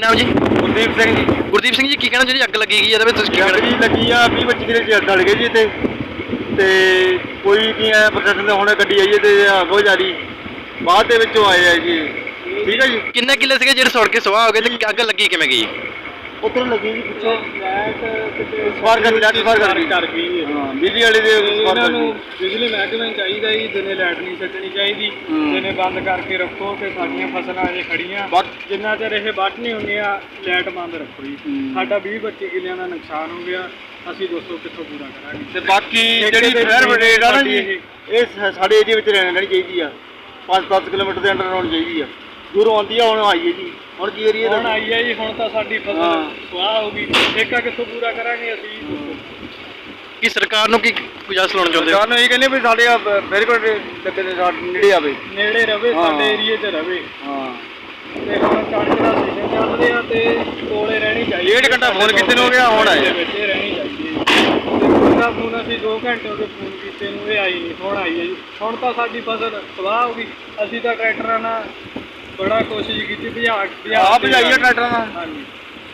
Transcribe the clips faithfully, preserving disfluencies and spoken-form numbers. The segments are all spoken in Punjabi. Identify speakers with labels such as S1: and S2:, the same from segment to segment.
S1: नाम जी?
S2: गुरदीप सिंह जी।
S1: गुरदीप सिंह जी की कहना जी अग लगी गई है
S2: अग जी लगी आ बीस पच्ची किले सड़ गए जी इतने ते कोई नहीं है प्रशासन ने हुणे गड्डी आई है ते अगो जारी बाद दे विचों आए है जी। ठीक है जी।
S1: किन्ने किले से ਜਿਹੜੇ ਸੜ ਕੇ ਸਵਾਹ ਹੋ ਗਏ ਤੇ ਅੱਗ ਲੱਗੀ ਕਿਵੇਂ ਗਈ?
S2: ਉੱਧਰ ਲੱਗੀ ਜੀ ਪਿੱਛੋਂ ਲਾਈਟ ਕਿਤੇ ਸਵਾਰ ਕਰ ਲਾਈਟ ਸਵਾਰ ਕਰ ਗਈ ਕਰ ਗਈ ਹਾਂ ਬਿਜਲੀ ਵਾਲੇ ਦੇ ਇਹਨਾਂ ਨੂੰ ਬਿਜਲੀ ਮਹਿਕਮੇ ਨੂੰ ਚਾਹੀਦਾ ਜੀ ਦਿਨੇ ਲਾਈਟ ਨਹੀਂ ਛੱਡਣੀ ਚਾਹੀਦੀ ਦਿਨੇ ਬੰਦ ਕਰਕੇ ਰੱਖੋ ਤੇ ਸਾਡੀਆਂ ਫਸਲਾਂ ਅਜੇ ਖੜੀਆਂ ਜਿੰਨਾ ਚਿਰ ਇਹ ਵੱਢ ਨਹੀਂ ਹੁੰਦੀਆਂ ਲਾਈਟ ਬੰਦ ਰੱਖੋ ਜੀ। ਸਾਡਾ ਵੀਹ ਪੱਚੀ ਕਿੱਲਿਆਂ ਦਾ ਨੁਕਸਾਨ ਹੋ ਗਿਆ ਅਸੀਂ ਦੋਸਤੋ ਕਿੱਥੋਂ ਪੂਰਾ ਕਰਾਂਗੇ ਤੇ ਬਾਕੀ ਜਿਹੜੀ ਫਾਇਰ ਬ੍ਰਿਗੇਡ ਆ ਨਾ ਜੀ ਇਹ ਸਾਡੇ ਏਰੀਆ ਵਿੱਚ ਰਹਿਣੀ ਚਾਹੀਦੀ ਆ ਪੰਜ ਦਸ ਕਿਲੋਮੀਟਰ ਦੇ ਅੰਡਰ ਹੋਣੀ ਚਾਹੀਦੀ ਆ ਦੂਰੋਂ ਆਉਂਦੀ ਆ ਹੁਣ ਆਈ ਹੈ ਜੀ ਹੁਣ ਕੀ ਏਰੀਆ ਹੁਣ ਆਈ ਹੈ ਜੀ ਹੁਣ ਤਾਂ ਸਾਡੀ ਫਸਲ ਸਵਾਹ ਹੋ ਗਈ ਠੇਕਾ ਕਿੱਥੋਂ ਪੂਰਾ ਕਰਾਂਗੇ ਅਸੀਂ
S1: ਕੀ ਸਰਕਾਰ ਨੂੰ ਕੀ ਗੁਜ਼ਾਰਿਸ਼ ਲਾਉਣਾ ਚਾਹੁੰਦੇ ਹੋ?
S2: ਸਰਕਾਰ ਨੂੰ ਇਹ ਕਹਿੰਦੇ ਵੀ ਸਾਡੇ ਬਿਲਕੁਲ ਲੱਗੇ ਦੇ ਨੇੜੇ ਆਵੇ ਨੇੜੇ ਰਵੇ ਸਾਡੇ ਏਰੀਏ 'ਚ ਰਵੇ ਹਾਂ ਤੇ ਹੁਣ ਕਣਕ ਦਾ ਸੀਜ਼ਨ ਚੱਲ ਰਿਹਾ ਤੇ ਕੋਲੇ ਰਹਿਣੀ ਚਾਹੀਦੀ ਡੇਢ ਘੰਟਾ ਫੋਨ ਕੀਤੇ ਨੂੰ ਹੋ ਗਿਆ ਹੁਣ ਆਏ ਵਿੱਚ ਰਹਿਣੀ ਚਾਹੀਦੀ ਤੇ ਉਹਦਾ ਫੋਨ ਅਸੀਂ ਦੋ ਘੰਟੇ ਹੋ ਗਏ ਫੋਨ ਕੀਤੇ ਨੂੰ ਇਹ ਆਈ ਨਹੀਂ ਹੁਣ ਆਈ ਹੈ ਜੀ ਹੁਣ ਤਾਂ ਸਾਡੀ ਫਸਲ ਸਵਾਹ ਹੋ ਗਈ ਅਸੀਂ ਤਾਂ ਟਰੈਕਟਰਾਂ ਨਾਲ ਬੜਾ ਕੋਸ਼ਿਸ਼ ਕੀਤੀ ਭਜਾ ਭਜਾ ਭਜਾਈਏ ਟਰੈਕਟਰਾਂ ਨਾਲ ਹਾਂਜੀ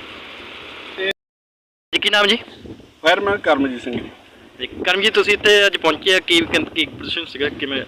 S2: ਤੇ
S1: ਜੀ ਕੀ ਨਾਮ ਜੀ?
S2: ਫਾਇਰਮੈਨ ਕਰਮਜੀਤ ਸਿੰਘ ਜੀ।
S1: ਜੀ ਕਰਮ ਜੀ ਤੁਸੀਂ ਇੱਥੇ ਅੱਜ ਪਹੁੰਚੇ ਆ ਕੀ ਕੀ ਪੋਜੀਸ਼ਨ ਸੀਗਾ ਕਿਵੇਂ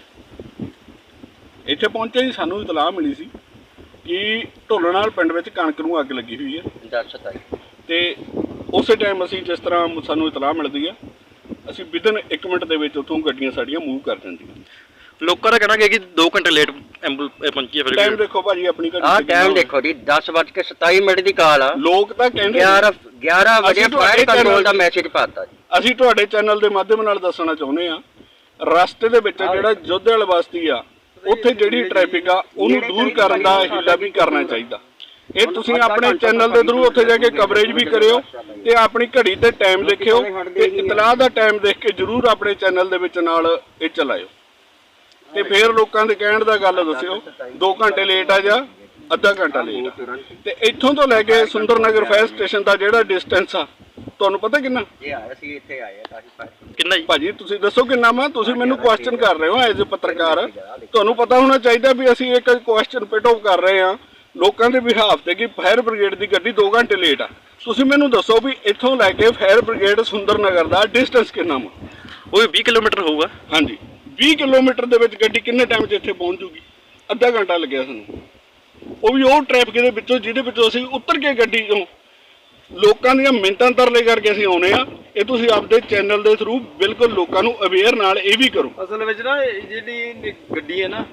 S2: ਇੱਥੇ ਪਹੁੰਚੇ ਜੀ ਸਾਨੂੰ ਇਤਲਾਹ ਮਿਲੀ ਸੀ ਕਿ ਢੋਲਣਾਲ ਪਿੰਡ ਵਿੱਚ ਕਣਕ ਨੂੰ ਅੱਗ ਲੱਗੀ ਹੋਈ ਹੈ ਤੇ ਉਸੇ ਟਾਈਮ ਅਸੀਂ ਜਿਸ ਤਰ੍ਹਾਂ ਸਾਨੂੰ ਇਤਲਾਹ ਮਿਲਦੀ ਹੈ ਅਸੀਂ ਵਿਦਨ ਇੱਕ ਮਿੰਟ ਦੇ ਵਿੱਚ ਉੱਥੋਂ ਗੱਡੀਆਂ ਸਾਡੀਆਂ ਮੂਵ ਕਰ ਜਾਂਦੀਆਂ।
S1: ਲੋਕਾਂ ਦਾ ਕਹਿਣਾ ਹੈ ਕਿ ਦੋ ਘੰਟੇ ਲੇਟ ਐਂਬੂਲੈਂਸ ਪਹੁੰਚੀ ਹੈ ਫਿਰ
S2: ਟਾਈਮ ਦੇਖੋ ਭਾਜੀ ਆਪਣੀ ਗੱਡੀ
S3: ਆਹ ਟਾਈਮ ਦੇਖੋ ਜੀ ਦਸ ਵੱਜ ਕੇ ਸਤਾਈ ਮਿੰਟ ਦੀ ਕਾਲ ਆ
S2: ਲੋਕ ਤਾਂ ਕਹਿੰਦੇ
S3: ਗਿਆਰਾਂ ਗਿਆਰਾਂ ਵਜੇ ਫਾਇਰ ਕੰਟਰੋਲ ਦਾ ਮੈਸੇਜ ਪਾਤਾ ਜੀ।
S2: ਅਸੀਂ ਤੁਹਾਡੇ ਚੈਨਲ ਦੇ ਮਾਧਿਅਮ ਨਾਲ ਦੱਸਣਾ ਚਾਹੁੰਦੇ ਆ ਰਸਤੇ ਦੇ ਵਿੱਚ ਜਿਹੜਾ ਜੋਧੇ ਵਾਲਾ ਬਸਤੀ ਆ ਉੱਥੇ ਜਿਹੜੀ ਟ੍ਰੈਫਿਕ ਆ ਉਹਨੂੰ ਦੂਰ ਕਰਨ ਦਾ ਹੀਲਾ ਵੀ ਕਰਨਾ ਚਾਹੀਦਾ। ਇਹ ਤੁਸੀਂ ਆਪਣੇ ਚੈਨਲ ਦੇ ਥਰੂ ਉੱਥੇ ਜਾ ਕੇ ਕਵਰੇਜ ਵੀ ਕਰਿਓ ਤੇ ਆਪਣੀ ਘੜੀ ਤੇ ਟਾਈਮ ਦੇਖਿਓ ਤੇ ਇਤਲਾਹ ਦਾ ਟਾਈਮ ਦੇਖ ਕੇ ਜ਼ਰੂਰ ਆਪਣੇ ਚੈਨਲ ਦੇ ਵਿੱਚ ਨਾਲ ਇਹ ਚਲਾਇਓ ਤੇ ਫਿਰ ਲੋਕਾਂ ਦੇ ਕਹਿਣ ਦਾ ਗੱਲ ਦੱਸਿਓ ਦੋ ਘੰਟੇ ਲੇਟ ਆ ਜਾਂ ਅੱਧਾ ਘੰਟਾ ਲੇਟ ਆ ਤੇ ਇੱਥੋਂ ਤੋਂ ਲੈ ਕੇ ਸੁੰਦਰ ਨਗਰ ਫਾਇਰ ਸਟੇਸ਼ਨ ਦਾ ਜਿਹੜਾ ਡਿਸਟੈਂਸ ਆ ਤੁਹਾਨੂੰ ਪਤਾ ਕਿੰਨਾ?
S3: ਇਹ ਆਇਆ ਸੀ ਇੱਥੇ ਆਏ ਕਾਫੀ
S1: ਕਿੰਨਾ ਜੀ?
S2: ਭਾਜੀ ਤੁਸੀਂ ਦੱਸੋ ਕਿੰਨਾ ਵਾ ਤੁਸੀਂ ਮੈਨੂੰ ਕੁਐਸਚਨ ਕਰ ਰਹੇ ਹੋ ਐਜ਼ ਅ ਪੱਤਰਕਾਰ ਤੁਹਾਨੂੰ ਪਤਾ ਹੋਣਾ ਚਾਹੀਦਾ ਵੀ ਅਸੀਂ ਇੱਕ ਕੁਐਸਚਨ ਪਿਟ ਆਫ ਕਰ ਰਹੇ ਹਾਂ ਲੋਕਾਂ ਦੇ ਬਿਹਾਫ ਤੇ ਕਿ ਫਾਇਰ ਬ੍ਰਿਗੇਡ ਦੀ ਗੱਡੀ ਦੋ ਘੰਟੇ ਲੇਟ ਆ। ਤੁਸੀਂ ਮੈਨੂੰ ਦੱਸੋ ਵੀ ਇੱਥੋਂ ਲੈ ਕੇ ਫਾਇਰ ਬ੍ਰਿਗੇਡ ਸੁੰਦਰ ਨਗਰ ਦਾ ਡਿਸਟੈਂਸ ਕਿੰਨਾ ਵਾ?
S1: ਉਹ ਵੀ ਵੀਹ ਕਿਲੋਮੀਟਰ ਹੋਊਗਾ।
S2: ਹਾਂਜੀ ਵੀਹ ਕਿਲੋਮੀਟਰ ਦੇ ਵਿੱਚ ਗੱਡੀ ਕਿੰਨੇ ਟਾਈਮ 'ਚ ਇੱਥੇ ਪਹੁੰਚ ਜੂਗੀ? ਅੱਧਾ ਘੰਟਾ ਲੱਗਿਆ ਸਾਨੂੰ ਉਹ ਵੀ ਉਹ ਟ੍ਰੈਫਿਕ ਦੇ ਵਿੱਚੋਂ ਜਿਹਦੇ ਵਿੱਚੋਂ ਅਸੀਂ ਉਤਰ ਕੇ ਗੱਡੀ ਤੋਂ ਲੋਕਾਂ ਦੀਆਂ ਮਿੰਟਾਂ ਤਰਲੇ ਕਰਕੇ ਅਸੀਂ ਆਉਣੇ ਆ। ਇਹ ਤੁਸੀਂ ਆਪਦੇ ਚੈਨਲ ਦੇ ਥਰੂ ਬਿਲਕੁਲ ਲੋਕਾਂ ਨੂੰ ਅਵੇਅਰ ਨਾਲ ਇਹ ਵੀ ਕਰੋ। ਅਸਲ ਵਿੱਚ ਨਾ ਜਿਹੜੀ ਗੱਡੀ ਹੈ ਨਾ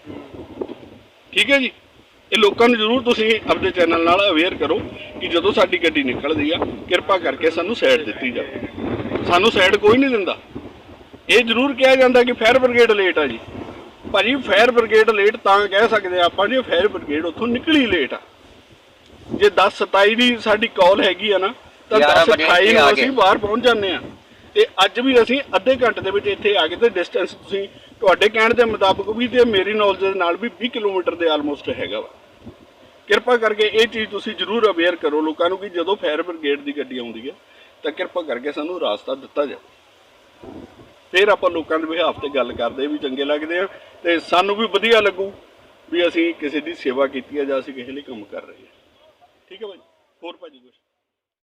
S2: ਠੀਕ ਹੈ ਜੀ ਇਹ ਲੋਕਾਂ ਨੂੰ ਜ਼ਰੂਰ ਤੁਸੀਂ ਆਪਦੇ ਚੈਨਲ ਨਾਲ ਅਵੇਅਰ ਕਰੋ ਕਿ ਜਦੋਂ ਸਾਡੀ ਗੱਡੀ ਨਿਕਲਦੀ ਆ ਕਿਰਪਾ ਕਰਕੇ ਸਾਨੂੰ ਸਾਈਡ ਦਿੱਤੀ ਜਾਵੇ। ਸਾਨੂੰ ਸਾਈਡ ਕੋਈ ਨਹੀਂ ਦਿੰਦਾ। ਇਹ ਜ਼ਰੂਰ ਕਿਹਾ ਜਾਂਦਾ ਕਿ ਫਾਇਰ ਬ੍ਰਿਗੇਡ ਲੇਟ ਆ ਜੀ। ਭਾਜੀ ਫਾਇਰ ਬ੍ਰਿਗੇਡ ਲੇਟ ਤਾਂ ਕਹਿ ਸਕਦੇ ਆਪਾਂ ਜੇ ਫਾਇਰ ਬ੍ਰਿਗੇਡ ਉੱਥੋਂ ਨਿਕਲੀ ਲੇਟ ਆ। ਜੇ ਦਸ ਸਤਾਈ ਦੀ ਸਾਡੀ ਕਾਲ ਹੈਗੀ ਆ ਨਾ ਤਾਂ ਦਸ ਅਠਾਈ ਨੂੰ ਅਸੀਂ ਬਾਹਰ ਪਹੁੰਚ ਜਾਂਦੇ ਆ ਤੇ ਅੱਜ ਵੀ ਅਸੀਂ ਅੱਧੇ ਘੰਟੇ ਦੇ ਵਿੱਚ ਇੱਥੇ ਆ ਗਏ ਤੇ ਡਿਸਟੈਂਸ ਤੁਸੀਂ ਤੁਹਾਡੇ ਕਹਿਣ ਦੇ ਮੁਤਾਬਕ ਵੀ ਤੇ ਮੇਰੀ ਨੌਲੇਜ ਦੇ ਨਾਲ ਵੀ ਵੀਹ ਕਿਲੋਮੀਟਰ ਦੇ ਆਲਮੋਸਟ ਹੈਗਾ ਵਾ। ਕਿਰਪਾ ਕਰਕੇ ਇਹ ਚੀਜ਼ ਤੁਸੀਂ ਜ਼ਰੂਰ ਅਵੇਅਰ ਕਰੋ ਲੋਕਾਂ ਨੂੰ ਕਿ ਜਦੋਂ ਫਾਇਰ ਬ੍ਰਿਗੇਡ ਦੀ ਗੱਡੀ ਆਉਂਦੀ ਹੈ ਤਾਂ ਕਿਰਪਾ ਕਰਕੇ ਸਾਨੂੰ ਰਾਸਤਾ ਦਿੱਤਾ ਜਾਵੇ। ਫਿਰ ਆਪਾਂ ਲੋਕਾਂ ਦੇ ਬਿਹਾਫ ਤੇ ਗੱਲ ਕਰਦੇ ਵੀ ਚੰਗੇ ਲੱਗਦੇ ਆ ਤੇ ਸਾਨੂੰ ਵੀ ਵਧੀਆ ਲੱਗੂ ਵੀ ਅਸੀਂ ਕਿਸੇ ਦੀ ਸੇਵਾ ਕੀਤੀ ਹੈ ਜਾਂ ਅਸੀਂ ਕਿਸੇ ਲਈ ਕੰਮ ਕਰ ਰਹੇ ਹਾਂ। ਠੀਕ ਹੈ ਭਾਜੀ ਹੋਰ ਭਾਜੀ ਕੁਛ